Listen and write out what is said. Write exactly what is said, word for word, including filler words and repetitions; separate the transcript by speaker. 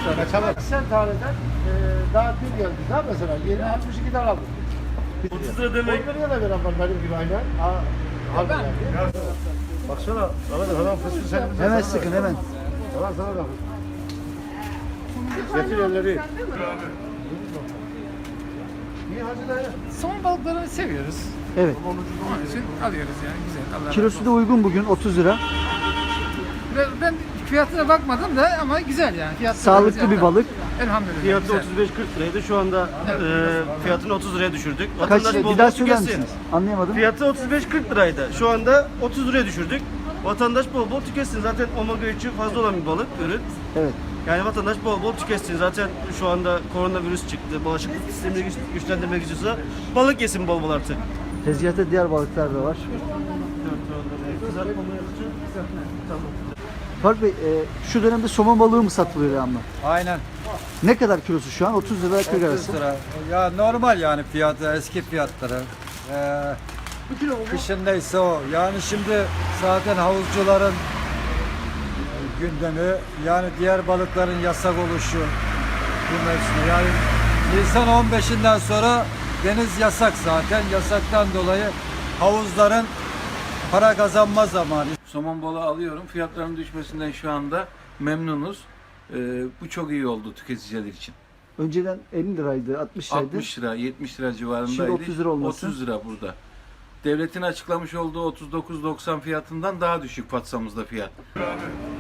Speaker 1: Kaçamak. Sen taneden e, daha dün geldi daha mesela yeni altmış iki tane aldım.
Speaker 2: otuz lira demek.
Speaker 1: on liraya da veren var benim gibi aynen. Ha, al ben. Baksana, Ahmet hemen fıstığı sen.
Speaker 3: Hemen sıkın hemen.
Speaker 1: Tamam sana da. Getir elleri. İyi hadi dayı.
Speaker 4: Somon balıklarını seviyoruz.
Speaker 3: Evet.
Speaker 4: Onun için alıyoruz yani güzel. Allah
Speaker 3: Kilosu da uygun bugün otuz lira.
Speaker 4: razı olsun. Ben, ben fiyatına bakmadım da ama güzel yani. Fiyatı
Speaker 3: Sağlıklı bir balık.
Speaker 4: Elhamdülillah.
Speaker 2: Fiyatı
Speaker 4: güzel.
Speaker 2: otuz beş kırk liraydı. Şu anda e, fiyatını otuz liraya düşürdük.
Speaker 3: Kaç
Speaker 2: Vatandaş bol
Speaker 3: bir
Speaker 2: bol
Speaker 3: daha söyler
Speaker 2: tüketsin.
Speaker 3: misiniz? Anlayamadım.
Speaker 2: Fiyatı otuz beş kırk liraydı. Şu anda otuz liraya düşürdük. Vatandaş bol bol tüketsin. Zaten omega üçü fazla olan bir balık ürün.
Speaker 3: Evet.
Speaker 2: Yani vatandaş bol bol tüketsin. Zaten şu anda koronavirüs çıktı. Bağışıklık sistemini güç, güçlendirmek istiyorsa balık yesin bol bol artık.
Speaker 3: Tezgahta diğer balıklar da var.
Speaker 2: Kızartmamı yapacağım. Tamam.
Speaker 3: Faruk Bey, e, şu dönemde somon balığı mı satılıyor devamlı?
Speaker 5: Aynen.
Speaker 3: Ne kadar kilosu şu an? otuz lira kırk arası.
Speaker 5: otuz lira. Ya normal yani fiyatı, eski fiyatları. Ee, kışın neyse o. Yani şimdi zaten havuzcuların gündemi, yani diğer balıkların yasak oluşu bu mevsimde. Yani Nisan on beşinden sonra deniz yasak zaten. Yasaktan dolayı havuzların para kazanma zamanı.
Speaker 6: Somon balığı alıyorum. Fiyatların düşmesinden şu anda memnunuz. Ee, bu çok iyi oldu tüketiciler için.
Speaker 3: Önceden elli liraydı, altmış liraydı.
Speaker 6: altmış lira, yetmiş lira civarındaydı.
Speaker 3: Şimdi otuz lira olması.
Speaker 6: otuz lira burada. Devletin açıklamış olduğu otuz dokuz doksan fiyatından daha düşük Fatsamızda fiyat.